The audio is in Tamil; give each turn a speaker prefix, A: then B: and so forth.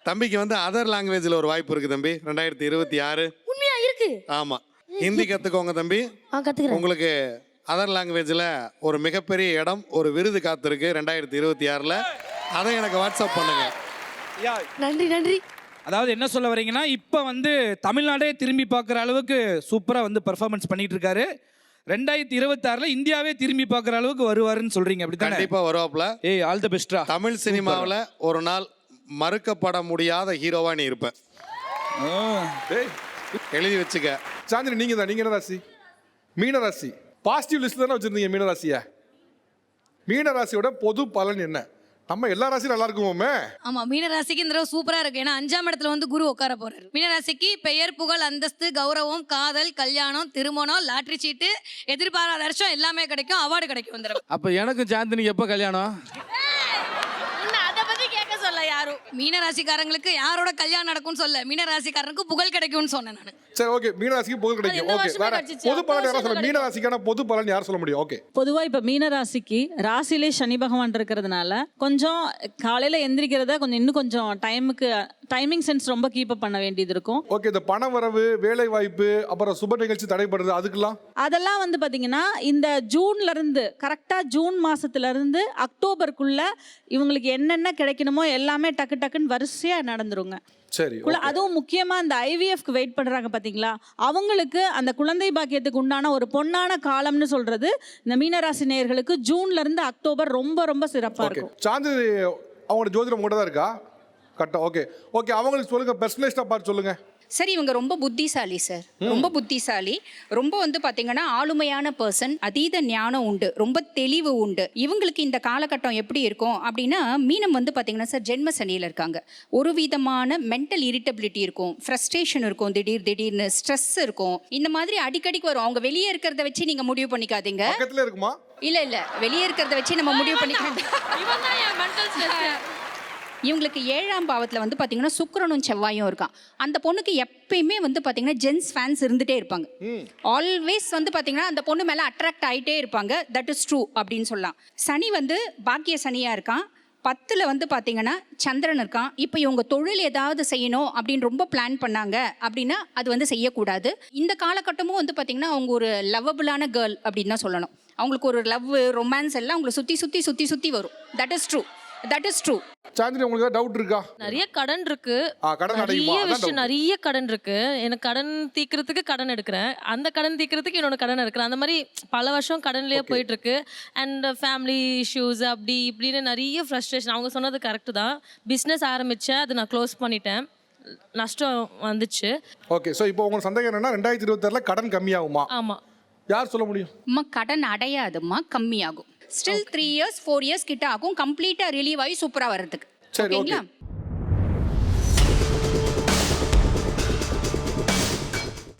A: தம்பிக்கு வந்து அதர் லாங்குவேஜில் ஒரு வாய்ப்பு இருக்குது தம்பி 2026.
B: உண்மையா இருக்கு?
A: ஆமாம், ஹிந்தி கற்றுக்கோங்க தம்பி.
B: கத்துக்கிறேன்.
A: உங்களுக்கு அதர் லாங்குவேஜில் ஒரு மிகப்பெரிய இடம், ஒரு விருது காத்திருக்கு 2026. அதை எனக்கு வாட்ஸ்அப் பண்ணுங்க.
B: நன்றி நன்றி.
C: அதாவது என்ன சொல்ல வரீங்கன்னா, இப்போ வந்து தமிழ்நாடே திரும்பி பார்க்குற அளவுக்கு சூப்பராக வந்து பெர்ஃபார்மன்ஸ் பண்ணிட்டு இருக்காரு. 2026 இந்தியாவே திரும்பி பார்க்குற அளவுக்கு வருவாருன்னு சொல்றீங்க, அப்படி தானே?
A: கண்டிப்பாக வருவாப்புல.
C: ஏய், ஆல் தி பெஸ்ட்ரா.
A: தமிழ் சினிமாவில் ஒரு நாள் மறுக்கப்பட முடியாத ஹீரோவா நீ இருப்ப. எழுதி வச்சுக்க.
D: சாந்தினி, நீங்க என்ன ராசி? மீன ராசி. பாசிட்டிவ் லிஸ்ட் தானே வச்சிருந்தீங்க மீன ராசியா? மீன ராசியோட பொது பலன் என்ன? நம்ம எல்லா ராசியும் நல்லா இருக்குமோமே.
E: ஆமா, மீனராசிக்கு இந்த தடவை சூப்பரா இருக்கு. ஏன்னா 5ஆம் இடத்துல வந்து குரு உட்கார போறாரு. மீனராசிக்கு பெயர், புகழ், அந்தஸ்து, கௌரவம், காதல், கல்யாணம், திருமணம், லாட்டரி சீட்டு, எதிர்பாராத வருஷம் எல்லாமே கிடைக்கும். அவார்டு கிடைக்கும் இந்த தடவை.
F: அப்ப எனக்கு சாந்தினிக்கு எப்ப கல்யாணம்?
E: அதை பத்தி கேட்க சொல்ல யாரும். மீனராசிக்காரங்களுக்கு யாரோட கல்யாணம் நடக்கும்னு சொல்ல, மீனராசிக்காரனுக்கு புகழ் கிடைக்கும்னு சொன்னேன் நான்.
D: சரி, ஓகே. மீன ராசிக்கு புகழ் கிடைக்கும். ஓகே, வேற பொது பலன் யாரா சொல்ல? மீன ராசிக்கான பொது பலன் யார் சொல்ல முடியும்? ஓகே.
G: பொதுவா இப்ப மீன ராசிக்கு ராசியிலே சனி பகவான் இருக்கிறதுனால கொஞ்சம் காலையில எந்திரிக்கிறத இன்னும் கொஞ்சம் டைமிங் சென்ஸ் ரொம்ப கீப் அப் பண்ண வேண்டியது இருக்கும்.
D: ஓகே. இந்த பண வரவு, வேலை வாய்ப்பு, அப்புறம் சுப நிகழ்ச்சி தடைப்படுது, அதுக்கெல்லாம்
G: அதெல்லாம் வந்து பாத்தீங்கன்னா இந்த ஜூன்ல இருந்து கரெக்டா ஜூன் மாசத்துல இருந்து அக்டோபருக்குள்ள இவங்களுக்கு என்னென்ன கிடைக்கணுமோ எல்லாமே டக்கு டக்குன்னு வரிசையா நடந்துருங்க.
D: சரி.
G: அதுவும் முக்கியமா இந்த ஐவிஎஃப்க்கு வெயிட் பண்றாங்க பாத்தீங்களா, அவங்களுக்கு அந்த குழந்தை பாக்கியத்துக்கு உண்டான ஒரு பொன்னான காலம்னு சொல்றது இந்த மீனராசி நேயர்களுக்கு ஜூன்ல இருந்து அக்டோபர் ரொம்ப ரொம்ப சிறப்பா இருக்கும்.
D: சாந்தினி, அவங்களோட ஜோதிடம் உங்கள்கிட்ட தான் இருக்கா? கரெக்டா. Okay okay. அவங்களுக்கு சொல்லுங்க, பர்சனலைஸ்டா பார்த்து சொல்லுங்க.
H: சார், இவங்க ரொம்ப புத்திசாலி சார், ரொம்ப புத்திசாலி. ரொம்ப வந்து பார்த்தீங்கன்னா ஆளுமையான பர்சன், அதீத ஞானம் உண்டு, ரொம்ப தெளிவு உண்டு. இவங்களுக்கு இந்த காலகட்டம் எப்படி இருக்கும் அப்படின்னா, மீனம் வந்து பார்த்தீங்கன்னா சார் ஜென்ம சனியில் இருக்காங்க. ஒரு விதமான மென்டல் இரிட்டபிலிட்டி இருக்கும், ஃப்ரஸ்ட்ரேஷன் இருக்கும், திடீர்னு ஸ்ட்ரெஸ் இருக்கும். இந்த மாதிரி அடிக்கடிக்கு வரும். அவங்க வெளியே இருக்கிறத வச்சு நீங்கள் முடிவு பண்ணிக்காதீங்க.
D: பக்கத்துல இருக்குமா?
H: இல்லை, வெளியே இருக்கிறத வச்சு நம்ம முடிவு பண்ணிக்க. இவங்களுக்கு 7ஆம் பாவத்தில் வந்து பார்த்தீங்கன்னா சுக்கிரனும் செவ்வாயும் இருக்கான். அந்த பொண்ணுக்கு எப்பயுமே வந்து பார்த்தீங்கன்னா ஜென்ஸ் ஃபேன்ஸ் இருந்துகிட்டே இருப்பாங்க. ஆல்வேஸ் வந்து பார்த்தீங்கன்னா அந்த பொண்ணு மேலே அட்ராக்ட் ஆகிட்டே இருப்பாங்க. தட் இஸ் ட்ரூ அப்படின்னு சொல்லலாம். சனி வந்து பாக்கிய சனியாக இருக்கான். 10ல் வந்து பார்த்தீங்கன்னா சந்திரன் இருக்கான். இப்போ இவங்க தொழில் ஏதாவது செய்யணும் அப்படின்னு ரொம்ப பிளான் பண்ணாங்க அப்படின்னா அது வந்து செய்யக்கூடாது. இந்த காலகட்டமும் வந்து பார்த்தீங்கன்னா அவங்க ஒரு லவ்வபிளான கேர்ள் அப்படின்னு தான் சொல்லணும். அவங்களுக்கு ஒரு லவ், ரொமான்ஸ் எல்லாம் அவங்களை சுற்றி வரும். That is true.
D: சாந்தினி, உங்களுக்கு டவுட் இருக்கா?
I: நிறைய கடன் இருக்கு.
D: நிறைய
I: கடன் இருக்கு. எனக்கு கடன் தீக்கிறதுக்கு கடன் எடுக்கிறேன், அந்த கடன் தீக்கிறதுக்கு இன்னொன்று கடன் எடுக்கிறேன். அந்த மாதிரி பல வருஷம் கடன்லயே போயிட்டு இருக்கு. அண்ட் ஃபேமிலி இஷ்யூஸ் அப்படி இப்படின்னு நிறைய ஃப்ரஸ்ட்ரேஷன். அவங்க சொன்னது கரெக்டு தான். பிஸ்னஸ் ஆரம்பிச்சேன், அது நான் க்ளோஸ் பண்ணிட்டேன், நஷ்டம் வந்துச்சு.
D: ஓகே. ஸோ இப்போ உங்களுக்கு சந்தேகம் என்னன்னா 2026 கடன் கம்மியாகுமா?
I: ஆமா.
H: யார் சொல்ல முடியும்? அம்மா, கடன் அடையாதும்மா, கம்மியாகும். ஸ்டில் 3 இயர்ஸ் 4 இயர்ஸ் கிட்ட ஆகும் கம்ப்ளீட்டா ரிலீவ் ஆகி சூப்பரா வர்றதுக்கு.
D: சரி, ஓகே.